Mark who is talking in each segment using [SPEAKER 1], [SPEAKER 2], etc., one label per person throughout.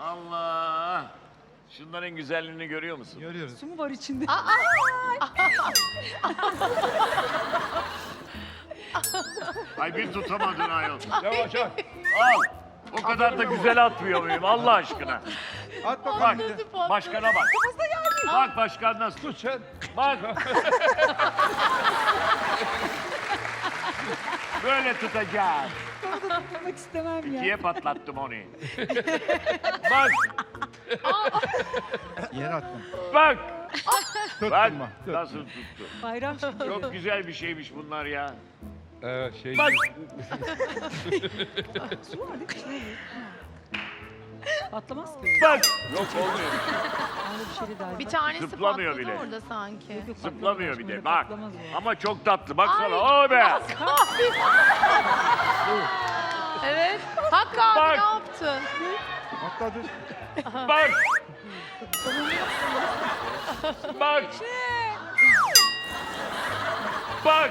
[SPEAKER 1] Allah! Şunların güzelliğini görüyor musun?
[SPEAKER 2] Görüyoruz.
[SPEAKER 3] Su mu var içinde?
[SPEAKER 1] Ay bir tutamadın ayol.
[SPEAKER 2] Yavaş yavaş.
[SPEAKER 1] Al. O kadar da güzel atmıyor muyum Allah aşkına?
[SPEAKER 2] At
[SPEAKER 1] Bak,
[SPEAKER 2] bakalım bir de.
[SPEAKER 1] başkana bak. Bak başkan nasıl tut.
[SPEAKER 2] Tut sen.
[SPEAKER 1] Bak. Böyle tutacağım.
[SPEAKER 3] Tutmak istemem ya.
[SPEAKER 1] İkiye patlattım onu. Bak,
[SPEAKER 2] Yere attım.
[SPEAKER 1] bak.
[SPEAKER 2] Tuttum
[SPEAKER 1] Bak
[SPEAKER 2] bak.
[SPEAKER 1] nasıl tuttu.
[SPEAKER 3] Bayram şimdi.
[SPEAKER 1] Çok güzel bir şeymiş bunlar ya.
[SPEAKER 2] Evet şey.
[SPEAKER 1] Bak.
[SPEAKER 3] Su var değil mi? İçinde mi? Patlamaz ki.
[SPEAKER 1] Bak. Yok olmuyor.
[SPEAKER 3] Öyle bir şey de dahil.
[SPEAKER 4] Bir tanesi
[SPEAKER 1] Zıplamıyor
[SPEAKER 4] patladı
[SPEAKER 1] bile.
[SPEAKER 4] orada sanki.
[SPEAKER 3] Yok, yok,
[SPEAKER 1] Zıplamıyor bir
[SPEAKER 3] patlamaz.
[SPEAKER 1] de. Bak.
[SPEAKER 3] Patlamaz o.
[SPEAKER 1] Ama çok tatlı. Baksana. O be.
[SPEAKER 4] Evet. Hakkı abi
[SPEAKER 1] Bak.
[SPEAKER 4] ne yaptın?
[SPEAKER 2] Atladı.
[SPEAKER 1] Bak. Bak. Bak.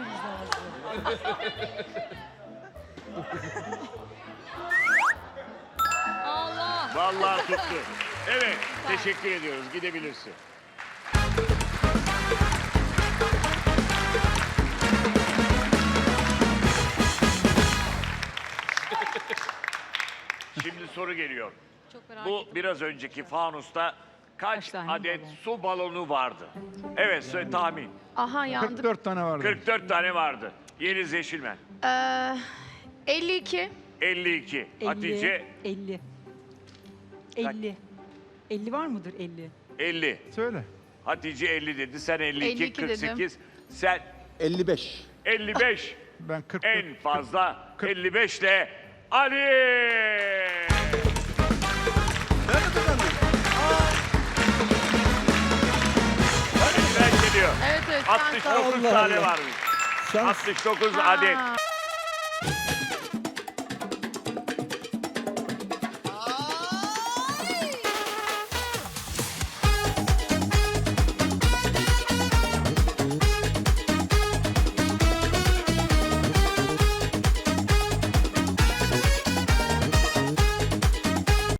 [SPEAKER 4] Allah.
[SPEAKER 1] Vallahi tuttu. Evet. Teşekkür ediyoruz. Gidebilirsin. Şimdi soru geliyor.
[SPEAKER 4] Çok merak
[SPEAKER 1] Bu biraz önceki fanusta kaç
[SPEAKER 3] Kaç tane
[SPEAKER 1] adet
[SPEAKER 3] balon?
[SPEAKER 1] su balonu vardı? Evet, tahmin.
[SPEAKER 4] Aha yandık.
[SPEAKER 2] 44 tane vardı.
[SPEAKER 1] 44 tane vardı. Yeliz Yeşilmen.
[SPEAKER 4] 52.
[SPEAKER 1] 52.
[SPEAKER 3] 50,
[SPEAKER 1] Hatice
[SPEAKER 3] 50. 50. 50 var mıdır 50?
[SPEAKER 1] 50.
[SPEAKER 2] Söyle.
[SPEAKER 1] Hatice 50 dedi. Sen 52,
[SPEAKER 4] 52 dedim.
[SPEAKER 1] 48. Sen
[SPEAKER 5] 55.
[SPEAKER 1] 55.
[SPEAKER 2] Ben 44.
[SPEAKER 1] En fazla
[SPEAKER 2] 40.
[SPEAKER 1] 55 ile Ali.
[SPEAKER 5] Ben de kazandım.
[SPEAKER 1] Ali'den geliyor.
[SPEAKER 4] Evet evet.
[SPEAKER 1] 69
[SPEAKER 5] Allah
[SPEAKER 1] tane
[SPEAKER 5] Allah.
[SPEAKER 1] varmış.
[SPEAKER 5] Şans.
[SPEAKER 1] 69
[SPEAKER 4] Ha.
[SPEAKER 1] adet.